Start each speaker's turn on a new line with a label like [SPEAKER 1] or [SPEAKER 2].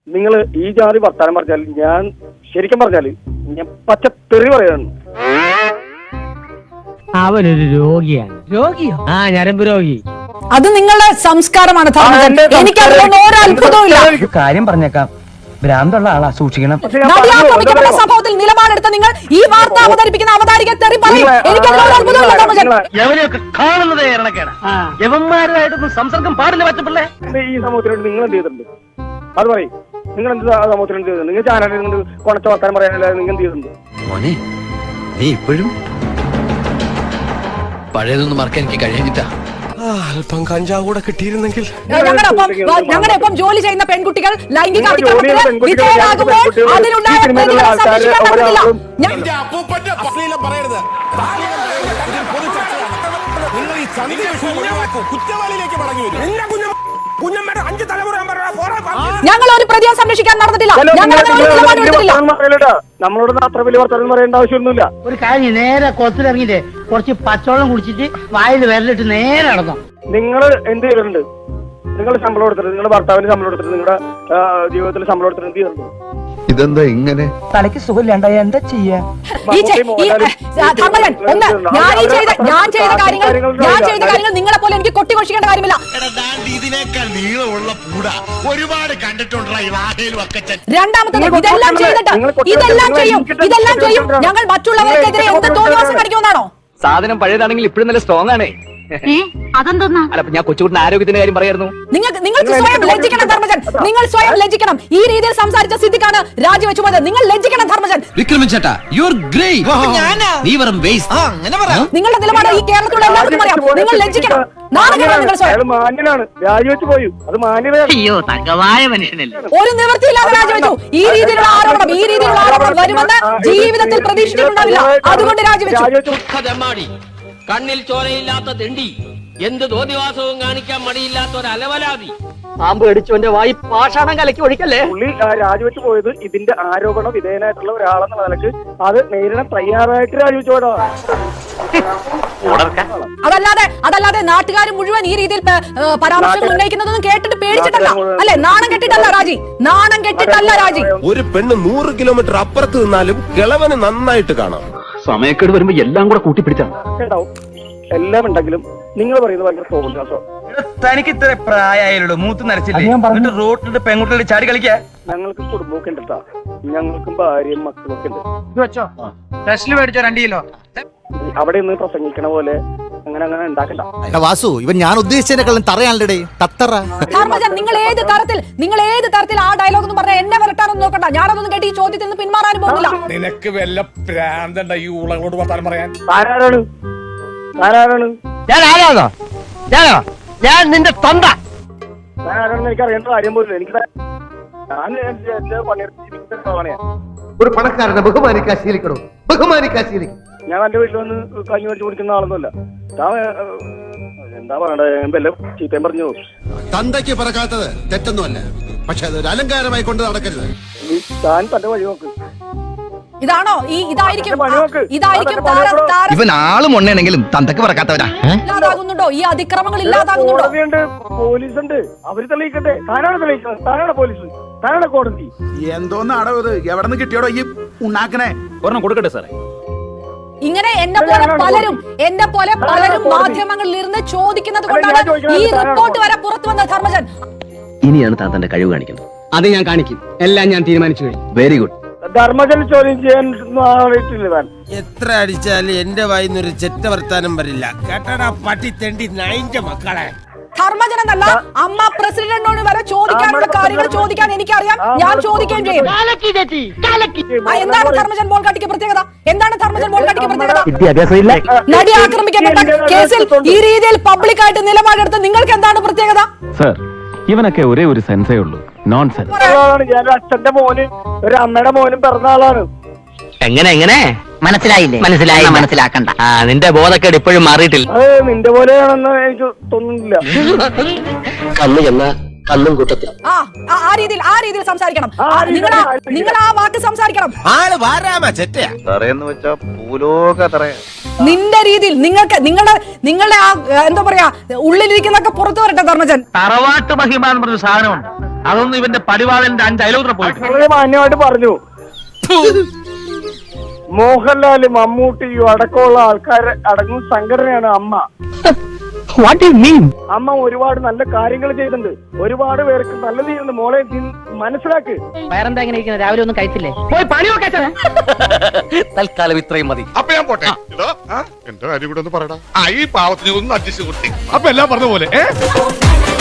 [SPEAKER 1] നിങ്ങൾ ഈ ജാതി വർത്താനം പറഞ്ഞാൽ ഞാൻ ശരിക്കും പറഞ്ഞാൽ ഞാൻ പച്ചത്തെറി പറയാണ്.
[SPEAKER 2] അവനൊരു രോഗിയാണ്. രോഗിയോ? ആ, ഞരമ്പ് രോഗി.
[SPEAKER 3] അത് നിങ്ങളുടെ സംസ്കാരമാണ്. എനിക്ക് അതിലൊന്നും ഒരു അത്ഭുതവും ഇല്ല.
[SPEAKER 4] കാര്യം പറഞ്ഞേക്കാം, ഭ്രാന്തുള്ള ആളാ, സൂക്ഷിക്കണം.
[SPEAKER 3] നടിയാക്രമിക്കപ്പെട്ട സംഭവത്തിൽ നിലപാടെടുത്ത നിങ്ങൾ ഈ വാർത്ത അവതരിപ്പിക്കുന്ന അവതാരിക തെറി പറയും. എനിക്ക് അതിലൊരു അത്ഭുതമില്ല ധർമ്മജൻ.
[SPEAKER 4] യവനെയൊക്കെ കാണുന്നത് ഇറണക്കേടാ. യവന്മാരുമായിട്ടൊന്നും സംസർഗം പാടില്ല പറ്റപ്പിള്ളേ.
[SPEAKER 1] ഈ സമൂഹത്തിനോട് നിങ്ങൾ എന്ത് ചെയ്തിട്ടുണ്ട്? അത് പറയും. നിങ്ങൾ എന്ത് സമൂഹത്തിന് എന്ത് ചെയ്തിട്ടുണ്ട്? നിങ്ങൾ ചാനലിൽ കൊണച്ച വർത്താനം പറയാനല്ലാതെ നിങ്ങൾ എന്ത് ചെയ്തിട്ടുണ്ട്?
[SPEAKER 5] മോനെ, നീ ഇപ്പോഴും പഴയതൊന്നും മറക്കാൻ എനിക്ക് കഴിഞ്ഞിട്ടാ.
[SPEAKER 6] അല്പം കഞ്ചാവ് കൂടെ കിട്ടിയിരുന്നെങ്കിൽ.
[SPEAKER 3] ഞങ്ങളുടെ ഒപ്പം ജോലി ചെയ്യുന്ന പെൺകുട്ടികൾ ലൈംഗിക അതിക്രമത്തിന് വിധേയരാകുമ്പോൾ അതിനുണ്ടായ പ്രതികളെ സംരക്ഷിക്കാൻ പറ്റുന്നില്ല. ഞങ്ങൾ ഒരു പ്രതിയെ സംരക്ഷിക്കാൻ നടന്നിട്ടില്ല.
[SPEAKER 1] നമ്മളോട് അത്ര വലിയ വർത്തമാനം പറയേണ്ട ആവശ്യമൊന്നുമില്ല.
[SPEAKER 2] ഒരു കാര്യം, നേരെ കൊത്തിലിറങ്ങിട്ട് കുറച്ച് പച്ചവെള്ളം കുടിച്ചിട്ട് വായിൽ വിരലിട്ട് നേരെ നടന്നു.
[SPEAKER 1] നിങ്ങൾ എന്ത് ചെയ്തിട്ടുണ്ട്? നിങ്ങൾ ശമ്പളം എടുത്തിട്ട്, നിങ്ങളുടെ ഭർത്താവിന് ശമ്പളം എടുത്തിട്ട്, നിങ്ങളുടെ ജീവിതത്തിൽ ശമ്പളം എടുത്തിട്ട് എന്ത് ചെയ്തിട്ടുണ്ട്?
[SPEAKER 5] ഇതെന്താ ഇങ്ങനെ?
[SPEAKER 4] തലയ്ക്ക് സുഖമില്ലാണ്ടായ എന്താ ചെയ്യാ?
[SPEAKER 3] ഞാൻ ചെയ്ത കാര്യങ്ങൾ നിങ്ങളെ പോലെ എനിക്ക് കൊട്ടിഘോഷിക്കേണ്ട കാര്യമില്ല. രണ്ടാമത്തത്, ഇതെല്ലാം ചെയ്യും ഞങ്ങൾ മറ്റുള്ളവർക്കെതിരെ എന്ത് തോന്നിവാസം കാണിക്കുമെന്നാണോ?
[SPEAKER 4] സാധനം പഴയതാണെങ്കിൽ ഇപ്പോഴും നല്ല സ്ട്രോങ് ആണ്.
[SPEAKER 3] അതെന്തോന്നാ?
[SPEAKER 4] അല്ല, ഞാൻ കൊച്ചുകുട്ടിന്റെ ആരോഗ്യത്തിന്റെ കാര്യം പറയായിരുന്നു.
[SPEAKER 3] നിങ്ങൾക്ക് സ്വയം ലജ്ജിക്കണം ധർമ്മജൻ. നിങ്ങൾ സ്വയം ലജ്ജിക്കണം. ഈ രീതിയിൽ സംസാരിച്ച സ്ഥിതിക്കാണ് രാജിവെച്ചു പോയത്. നിങ്ങൾ ലജ്ജിക്കണം ധർമ്മജൻ. നിങ്ങളുടെ നിലപാട് ഈ കേരളത്തിലുള്ള എല്ലാവർക്കും അറിയാം. നിങ്ങൾ ലജ്ജിക്കണം.
[SPEAKER 1] മാന്യനാണ്, രാജിവെച്ചു പോയി. അത് മാന്യതയാണ്.
[SPEAKER 3] ഒരു നിവൃത്തിയില്ലാതെ രാജിവെച്ചു. ഈ രീതിയിലുള്ള ആരോപണം വരുമെന്ന് ജീവിതത്തിൽ പ്രതീക്ഷിച്ചിട്ടുണ്ടാവില്ല. അതുകൊണ്ട് രാജിവെച്ചു.
[SPEAKER 7] കണ്ണിൽ ചോരയില്ലാത്ത തെണ്ടി, എന്ത് തോന്നിവാസവും കാണിക്കാൻ മടിയില്ലാത്ത ഒരു അലവലാതി.
[SPEAKER 4] പാമ്പ് അടിച്ചവന്റെ വായി പാഷാണം കലക്കി ഒഴിക്കല്ലേ.
[SPEAKER 1] പുള്ളി രാജിവെച്ചു പോയത് ഇതിന്റെ ആരോപണ വിധേയനായിട്ടുള്ള ഒരാളെന്ന നിലക്ക് അത് നേരിടാൻ തയ്യാറായിട്ട് രാജിവെച്ചു പോയതാ.
[SPEAKER 3] അതല്ലാതെ നാട്ടുകാർ മുഴുവൻ ഈ രീതിയിൽ പരാമർശങ്ങൾ ഉന്നയിക്കുന്നതൊന്നും കേട്ടിട്ട് പേടിച്ചിട്ടല്ല, അല്ലെ? നാണം കെട്ടിട്ടല്ല രാജി.
[SPEAKER 6] ഒരു പെണ്ണ് 100 കിലോമീറ്റർ അപ്പുറത്ത് നിന്നാലും കിളവന് നന്നായിട്ട് കാണാം.
[SPEAKER 4] സമയക്കേട് വരുമ്പോ എല്ലാം കൂടെ കൂട്ടിപ്പിടിച്ചാണ്.
[SPEAKER 1] എല്ലാം ഉണ്ടെങ്കിലും നിങ്ങൾ പറയുന്നത് ഭയങ്കര തോന്നിയാസോ.
[SPEAKER 4] തനിക്ക് ഇത്ര പ്രായമായുള്ളൂ, മൂത്ത് നരച്ചിട്ട് റോട്ടിലിട്ട് പെൺകുട്ടികളുടെ ചാടി കളിക്കാ.
[SPEAKER 1] ഞങ്ങൾക്ക് കുടുംബമൊക്കെ ഉണ്ട്, ഞങ്ങൾക്കും ഭാര്യയും മക്കളൊക്കെ ഉണ്ട്.
[SPEAKER 4] മേടിച്ചോ 2 കിലോ.
[SPEAKER 1] അവിടെ നിന്ന് പ്രസംഗിക്കണ പോലെ അങ്ങനെ ഉണ്ടാക്കണ്ട.
[SPEAKER 5] വാസു, ഇവൻ ഞാൻ ഉദ്ദേശിച്ചതിനെക്കാളും തറയാണല്ലേ തത്തറ.
[SPEAKER 3] നിങ്ങൾ ഏത് തരത്തിൽ ആ ഡയലോഗ് എന്ന് പറഞ്ഞാൽ എന്നെ വരട്ടാനൊന്നും നോക്കണ്ട. ഞാനതൊന്നും കേട്ട് ഈ ചോദ്യത്തിൽ നിന്ന് പിന്മാറാനും പോകുന്നില്ല.
[SPEAKER 6] നിനക്ക് വല്ല പ്രാന്തണ്ട ഈ ഉളകളോട് വർത്താനം പറയാൻ?
[SPEAKER 1] ആരാണ്?
[SPEAKER 2] ഞാൻ നിന്റെ തൊണ്ട.
[SPEAKER 1] ആരാണെന്ന് എനിക്ക് അറിയേണ്ട കാര്യം പോലും. എനിക്ക് ഞാൻ എന്റെ പണിയെടുത്ത്
[SPEAKER 5] ഒരു പണക്കാരനെ ബഹുമാനിക്കാൻ ശീലിക്കണം.
[SPEAKER 1] ഞാൻ എന്റെ വീട്ടിൽ വന്ന് കഞ്ഞി മേടിച്ച് കുടിക്കുന്ന ആളൊന്നുമല്ല. എന്താ പറയണ്ടേ, വല്ല ചീത്തയും പറഞ്ഞു.
[SPEAKER 5] തന്തയ്ക്ക് പറക്കാത്തത് തെറ്റൊന്നുമല്ല, പക്ഷെ അതൊരു അലങ്കാരമായി കൊണ്ട് നടക്കരുത്.
[SPEAKER 1] താൻ തന്റെ വഴി നോക്ക്.
[SPEAKER 3] ഇതാണോ ഇതായിരിക്കും
[SPEAKER 5] ഇവൻ ആളും ഒന്നെങ്കിലും തന്തക്ക് പറക്കാത്തവരാ.
[SPEAKER 3] ഇല്ലാതാകുന്നുണ്ടോ? ഈ അതിക്രമങ്ങൾ ഇല്ലാതാകുന്നുണ്ടോ?
[SPEAKER 1] കോടതിയുണ്ട്, പോലീസുണ്ട്, അവര് തെളിയിക്കട്ടെ. താനാണ് തെളിയിക്കുന്നത്, താനാണ് പോലീസ്, താനാണ് കോടതി.
[SPEAKER 6] എന്തോന്നാടോ ഇത്? എവിടെ നിന്ന് കിട്ടിയോടോ ഈ ഉണ്ടാക്കണേ? ഒരെണ്ണം കൊടുക്കട്ടെ സാറേ.
[SPEAKER 3] ഇങ്ങനെ എന്നെ പോലെ പലരും മാധ്യമങ്ങളിൽ ഇരുന്ന് ചോദിക്കുന്നത് കൊണ്ടാണ് ഈ റിപ്പോർട്ട് വരെ പുറത്തു വന്നത്. ധർമ്മജൻ,
[SPEAKER 4] ഇനിയാണ് താൻ തന്റെ കഴിവ് കാണിക്കുന്നത്. അത് ഞാൻ കാണിക്കും. എല്ലാം ഞാൻ തീരുമാനിച്ചു കഴിഞ്ഞു. Very good.
[SPEAKER 1] ധർമ്മജൻ ചോദ്യം ചെയ്യാൻ ആളിട്ടില്ല.
[SPEAKER 8] എത്ര അടിച്ചാലും എന്റെ വായിന്നൊരു ചെറ്റ വർത്താനം വരില്ല. കേട്ടടാ പട്ടി തെണ്ടി നായിന്റെ മക്കളെ.
[SPEAKER 3] ധർമ്മജൻ എന്നല്ല, അമ്മ പ്രസിഡന്റിനോട് വരെ ചോദിക്കാനുള്ള കാര്യങ്ങൾ ചോദിക്കാൻ എനിക്കറിയാം. ഞാൻ ചോദിക്കുകയും ചെയ്യും. എന്താണ് ധർമ്മജൻ ബോൾഗാട്ടിക്ക് പ്രത്യേകത? നടി ആക്രമിക്കപ്പെട്ട കേസിൽ ഈ രീതിയിൽ പബ്ലിക്കായിട്ട് നിലപാടെടുത്ത് നിങ്ങൾക്ക് എന്താണ് പ്രത്യേകത?
[SPEAKER 9] സർ, ഇവനൊക്കെ ഒരേ ഒരു സെൻസേ ഉള്ളൂ, നോൺസെൻസ്.
[SPEAKER 1] ഞാൻ അച്ഛന്റെ മോന് ഒരു അമ്മയുടെ മോനും പിറന്ന ആളാണ്.
[SPEAKER 2] എങ്ങനെ മനസ്സിലാക്കണ്ട. നിന്റെ ബോധക്കേട് ഇപ്പോഴും മാറിയിട്ടില്ല.
[SPEAKER 1] അത് നിന്റെ പോലെയാണെന്ന് എനിക്ക് തോന്നുന്നില്ല.
[SPEAKER 4] കണ്ണും കൂട്ടത്തിൽ
[SPEAKER 3] ആ രീതിയിൽ സംസാരിക്കണം. നിങ്ങൾ ആ വാക്ക് സംസാരിക്കണം.
[SPEAKER 8] ആള് വാരാമ ചെറ്റയാ
[SPEAKER 6] തറയെന്ന് വെച്ചാ ഭൂലോക തറയാ.
[SPEAKER 3] നിന്റെ രീതിയിൽ നിങ്ങളുടെ ആ എന്താ പറയാ ഉള്ളിലിരിക്കുന്നൊക്കെ പുറത്തു വരട്ടെ. ധർമ്മജൻ,
[SPEAKER 2] തറവാട്ട് മഹിമ എന്ന് പറഞ്ഞ സാധനമുണ്ട്.
[SPEAKER 6] അതൊന്നും ഇവന്റെ പടിവാളന്റെ 5 അയലോത്ര പോയി
[SPEAKER 1] വളരെ മാന്യമായിട്ട് പറഞ്ഞു. മോഹൻലാല്, മമ്മൂട്ടിയും അടക്കമുള്ള ആൾക്കാർ അടങ്ങുന്ന സംഘടനയാണ് അമ്മ. അമ്മ ഒരുപാട് നല്ല കാര്യങ്ങൾ ചെയ്തിട്ടുണ്ട്. ഒരുപാട് പേർക്ക് നല്ലത് ചെയ്യുന്നുണ്ട്. മോളെ മനസ്സിലാക്ക്.
[SPEAKER 2] വേറെന്താ ഇങ്ങനെ ഇരിക്കുന്നത്? രാവിലെ ഒന്നും കഴിച്ചില്ലേ? പോയി പണി നോക്കാൻ.
[SPEAKER 7] തൽക്കാലം ഇത്രയും മതി.
[SPEAKER 5] അപ്പൊ ഞാൻ പോട്ടെ. എന്റെ കാര്യം കൂടെ ഒന്ന് പറയടാ. ഈ പാവത്തിന് ഒന്ന് അഡ്ജസ്റ്റ് കൊടുത്തി. അപ്പൊ എല്ലാം പറഞ്ഞ പോലെ